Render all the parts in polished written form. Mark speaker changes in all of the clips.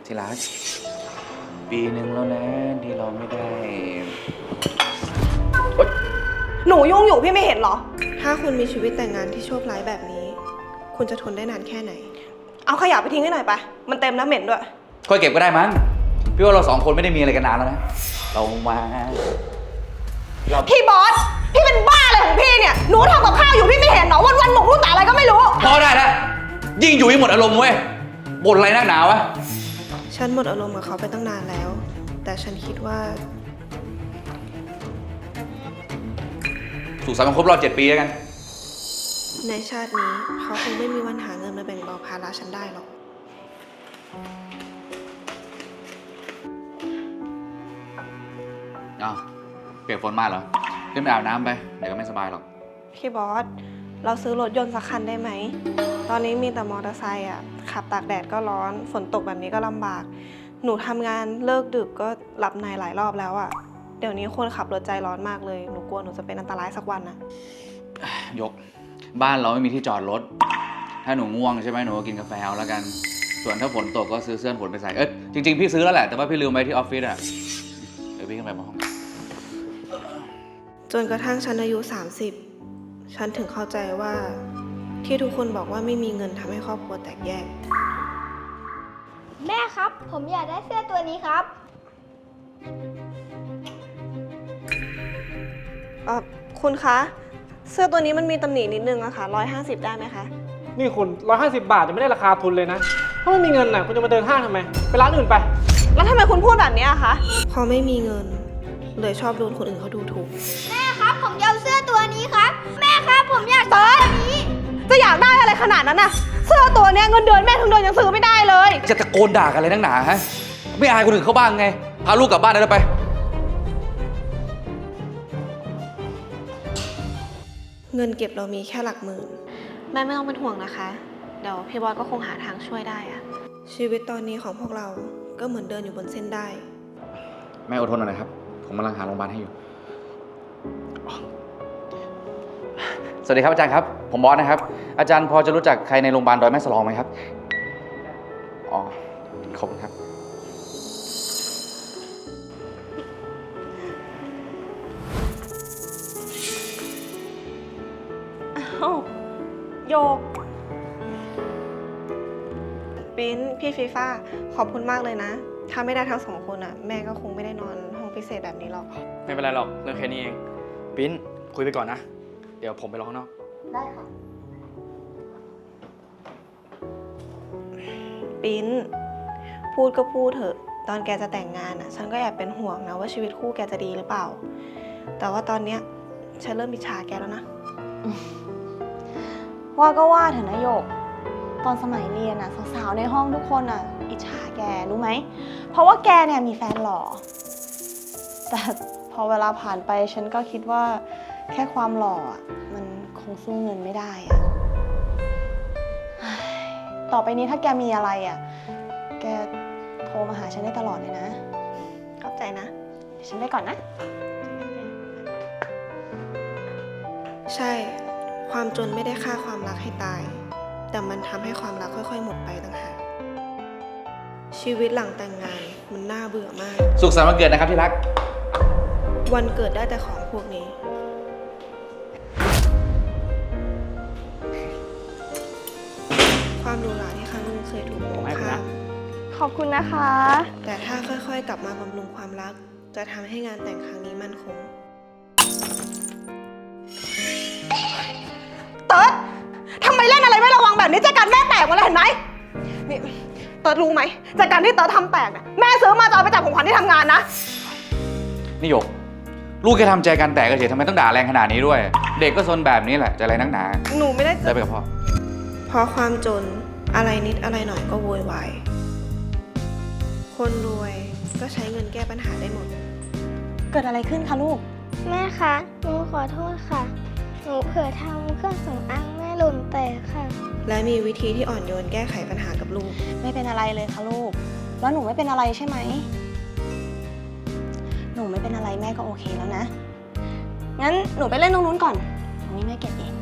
Speaker 1: ที่รักปีหนึ่งแล้วนะที่เราไม่ได้
Speaker 2: หนูยุ่งอยู่พี่ไม่เห็นเหรอถ้าคุณมีชีวิตแต่งงานที่โชคร้ายแบบนี้ คุณจะทนได้นานแค่ไหนเอาขยะไปทิ้งให้หน่อยไปมันเต็มน้ำเหม็นด้วย
Speaker 1: ค่อยเก็บก็ได้มั้งพี่ว่าเรา2 คนไม่ได้มีอะไรกันนานแล้วนะเรามา
Speaker 2: พี่บอสพี่เป็นบ้าอะไรของพี่เนี่ยหนูทำกับข้าวอยู่พี่ไม่เห็นเหรอวันๆหมกมุ่นแต่อะไรก็ไม่รู้
Speaker 1: พอได้แล้วยิ่งอยู่ยิ่งหมดอารมณ์เว้ยบ่นอะไรนักหนาวะ
Speaker 2: ฉันหมดอารมณ์กับเขาไปตั้งนานแล้ว แต่ฉันคิดว่า
Speaker 1: สุขสันต์วันครบรอบ7 ปีแล้วกัน
Speaker 2: ในชาตินี้เขาคงไม่มีวันหาเงินมาแบ่งเบาภาระฉันได้หรอก
Speaker 1: อ้าวเปียกฝนมาเหรอขึ้นไปอาบน้ำไปเดี๋ยวก็ไม่สบายหรอก
Speaker 2: พี่บอสเราซื้อรถยนต์สักคันได้ไหมตอนนี้มีแต่มอเตอร์ไซค์อะขับตากแดดก็ร้อนฝนตกแบบนี้ก็ลำบากหนูทำงานเลิกดึกก็หลับในหลายรอบแล้วอะเดี๋ยวนี้คนขับรถใจร้อนมากเลยหนูกลัวหนูจะเป็นอันตรายสักวันนะ
Speaker 1: ยกบ้านเราไม่มีที่จอดรถถ้าหนูง่วงใช่ไหมหนูก็กินกาแฟเอาแล้วกันส่วนถ้าฝนตกก็ซื้อเสื้อฝนไปใส่จริงๆพี่ซื้อแล้วแหละแต่ว่าพี่ลืมไว้ที่ออฟฟิศอะเดี๋ยวพี่ขึ้นไปบนห้อง
Speaker 2: จนกระทั่งฉันอายุ30ฉันถึงเข้าใจว่าที่ทุกคนบอกว่าไม่มีเงินทำให้ครอบครัวแตกแยก
Speaker 3: แม่ครับผมอยากได้เสื้อตัวนี้ครับ
Speaker 2: คุณคะเสื้อตัวนี้มันมีตำหนินิดนึงอะค่ะ150ได้ไหมคะ
Speaker 4: นี่คุณ150 บาทจะไม่ได้ราคาทุนเลยนะถ้าไม่มีเงินน่ะคุณจะมาเดินห้างทำไมไปร้านอื่นไป
Speaker 2: แล้วทำไมคุณพูดแบบนี้อะคะพอไม่มีเงินเลยชอบโดนคนอื่นเขาดูถูก
Speaker 3: แม่ครับผมอยากเสื้อตัวนี้ครับแม่ครับผมอยากเสื้อตัวนี้
Speaker 2: จะอยากได้อะไรขนาดนั้นน่ะเสื้อตัวนี้เงินเดือนแม่ทั้งเดือนยังซื้อไม่ได้เลย
Speaker 1: จะตะโกนด่ากันอะไรนักหนาฮะไม่อายคนอื่นเขาบ้างไงพาลูกกลับบ้านได้แล้วไป
Speaker 2: เงินเก็บเรามีแค่หลักหมื่นแม่ไม่ต้องเป็นห่วงนะคะเดี๋ยวพี่บอยก็คงหาทางช่วยได้อะชีวิตตอนนี้ของพวกเราก็เหมือนเดินอยู่บนเส้นได้
Speaker 1: แม่อดทนหน่อยนะครับผมกำลังหาโรงพยาบาลให้อยู่สวัสดีครับอาจารย์ครับผมบอสนะครับอาจารย์พอจะรู้จักใครในโรงพยาบาลดอยแม่สลองไหมครับอ๋อขอบคุณครับ
Speaker 2: โยกปิ้นพี่ฟีฟ่าขอบคุณมากเลยนะถ้าไม่ได้ทั้ง2 คนอ่ะแม่ก็คงไม่ได้นอนห้องพิเศษแบบนี้หรอก
Speaker 4: ไม่เป็นไรหรอกเรื่องแค่นี้เองปิ้นคุยไปก่อนนะเดี๋ยวผมไปรอข้างนอก
Speaker 3: ได้ค่ะ
Speaker 2: ปิ้นพูดก็พูดเถอะตอนแกจะแต่งงานอ่ะฉันก็แอบเป็นห่วงนะว่าชีวิตคู่แกจะดีหรือเปล่าแต่ว่าตอนเนี้ยฉันเริ่มอิจฉาแกแล้วนะ
Speaker 5: ว่าก็ว่าเถอะนะโยกตอนสมัยเรียนอะสาวๆในห้องทุกคนอะอิจฉาแกรู้ไหมเพราะว่าแกเนี่ยมีแฟนหล่อแต่พอเวลาผ่านไปฉันก็คิดว่าแค่ความหล่ออะมันคงสู้เงินไม่ได้อะต่อไปนี้ถ้าแกมีอะไรอะแกโทรมาหาฉันได้ตลอดเลยนะ
Speaker 2: ขอบใจนะ
Speaker 5: เดี๋ยวฉันไปก่อนนะ
Speaker 2: ใช่ความจนไม่ได้ฆ่าความรักให้ตายแต่มันทำให้ความรักค่อยๆหมดไปต่างหากชีวิตหลังแต่งงานมันน่าเบื่อมาก
Speaker 1: สุขสันต์วันเกิดนะครับที่รัก
Speaker 2: วันเกิดได้แต่ของพวกนี้ความหรูหราที่ครั้งนึงเคยถูกมองข้าม
Speaker 5: ขอบคุณนะคะ
Speaker 2: แต่ถ้าค่อยๆกลับมาบำรุงความรักจะทำให้งานแต่งครั้งนี้มั่นคงเติร์ดทำไมเล่นอะไรไม่ระวังแบบนี้จัดการแม่แตกมาแล้วเห็นไหมนี่เติร์ดรู้ไหมจัดการที่เติร์ดทำแตกเนี่ยแม่ซื้อมาจะเอาไปจับของขวัญที่ทำงานนะ
Speaker 1: นี่หยกลูกแค่ทำใจกันแตกเฉยทำไมต้องด่าแรงขนาดนี้ด้วย เด็กก็ซนแบบนี้แหละจะอะไรนักหนา
Speaker 2: หนูไม่ได้
Speaker 1: ได้ไปกับพ่อ
Speaker 2: เพราะความจนอะไรนิดอะไรหน่อยก็โวยวายคนรวยก็ใช้เงินแก้ปัญหาได้หมด
Speaker 5: เกิดอะไรขึ้นคะลูก
Speaker 3: แม่คะหนูขอโทษค่ะหนูเผลอทำเครื่องสำอางแม่หล่นแตกค่ะ
Speaker 2: และมีวิธีที่อ่อนโยนแก้ไขปัญหากับลูก
Speaker 5: ไม่เป็นอะไรเลยค่ะลูกแล้วหนูไม่เป็นอะไรใช่ไหมหนูไม่เป็นอะไรแม่ก็โอเคแล้วนะงั้นหนูไปเล่นตรงนู้นก่อนตรงนี้แม่เก็บเอง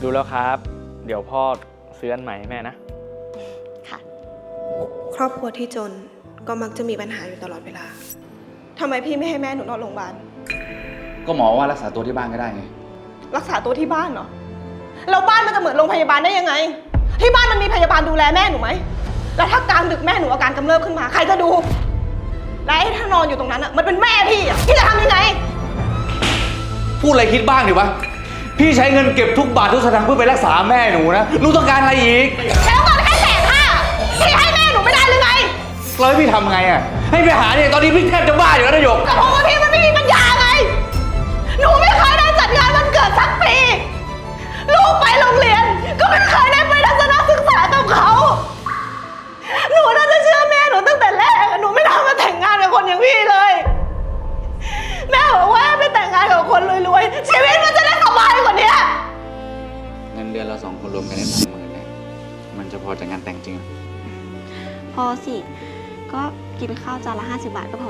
Speaker 4: ดูแล้วครับ เดี๋ยวพ่อซื้ออันใหม่ให้แม่นะ
Speaker 5: ค่ะ
Speaker 2: ครอบครัวที่จนก็มักจะมีปัญหาอยู่ตลอดเวลาทำไมพี่ไม่ให้แม่หนูนอนโรงพยาบาล
Speaker 1: ก็หมอว่ารักษาตัวที่บ้านก็ได้ไง
Speaker 2: รักษาตัวที่บ้านเหรอแล้วบ้านมันจะเหมือนโรงพยาบาลได้ยังไง ที่บ้านมันมีพยาบาลดูแลแม่หนูไหมแล้วถ้ากลางดึกแม่หนูอาการกำเริบขึ้นมาใครจะดู และไอ้ถ้านอนอยู่ตรงนั้นอ่ะมันเป็นแม่พี่อ่ะพี่จะทำยังไง
Speaker 1: พูดอะไรคิดบ้างดิวะ พี่ใช้เงินเก็บทุกบาททุกสตางค์เพื่อไปรักษาแม่หนูนะหนูต้องการอะไรอีก
Speaker 2: แล้วเงินแค่150,000พี่ให้แม่หนูไม่ได้หรือไง
Speaker 1: แล้วให้พี่ทำไงอ่ะ ให้ไปหาเนี่ยตอนนี้พี่แทบจะบ้าอยู่แล้วนะหยก
Speaker 2: ก็เพราะว่าพี่มันไม่มีปัญญาไง หนูไม่เคยได้จัดงานวันเกิดสักปี ลูกไปโรงเรียน ก็ไม่เคยได้ไปทัศนศึกษากับเขา หนูน่าจะเชื่อแม่หนูตั้งแต่แรก หนูไม่น่ามาแต่งงานกับคนอย่างพี่เลย แม่บอกว่าไปแต่งงานกับคนรวยๆ ชีวิตมันจะได้สบายกว่านี้
Speaker 1: เงินเดือนเรา2 คนรวมกันได้30,000เนี่ยมันจะพอจัดงานแต่งจริงเหรอ
Speaker 6: พอสิ ก็กินข้าวจานละ50 บาทก็พอ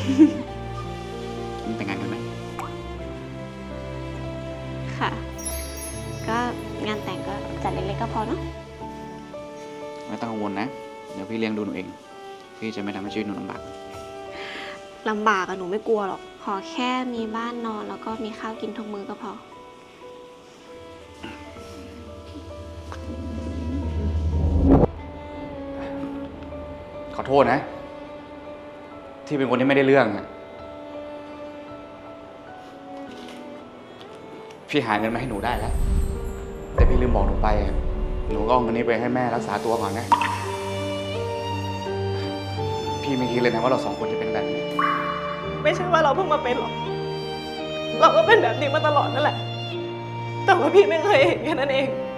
Speaker 1: มึงแต่งงานกันไหม
Speaker 6: ค่ะ ก็งานแต่งก็จัดเล็กๆก็พอเนาะ
Speaker 1: ไม่ต้องกังวลนะ เดี๋ยวพี่เลี้ยงดูหนูเอง พี่จะไม่ทำให้ชีวิตหนูลำบาก
Speaker 6: ลำบากอะหนูไม่กลัวหรอก ขอแค่มีบ้านนอนแล้วก็มีข้าวกินทุกมื้อก็พอ
Speaker 1: ขอโทษนะ ที่เป็นคนที่ไม่ได้เรื่องอะพี่หาเงินมาให้หนูได้แล้ว แต่พี่ลืมบอกหนูไปอะหนูก็เอาเงินนี้ไปให้แม่รักษาตัวก่อนนะ พี่ไม่คิดเลยนะว่าเรา2 คนจะเป็นแบบนี้
Speaker 2: ไม่ใช่ว่าเราเพิ่งมาเป็นหรอก เราก็เป็นแบบนี้มาตลอดนั่นแหละ แต่ว่าพี่ไม่เคยเห็นแค่นั้นเอง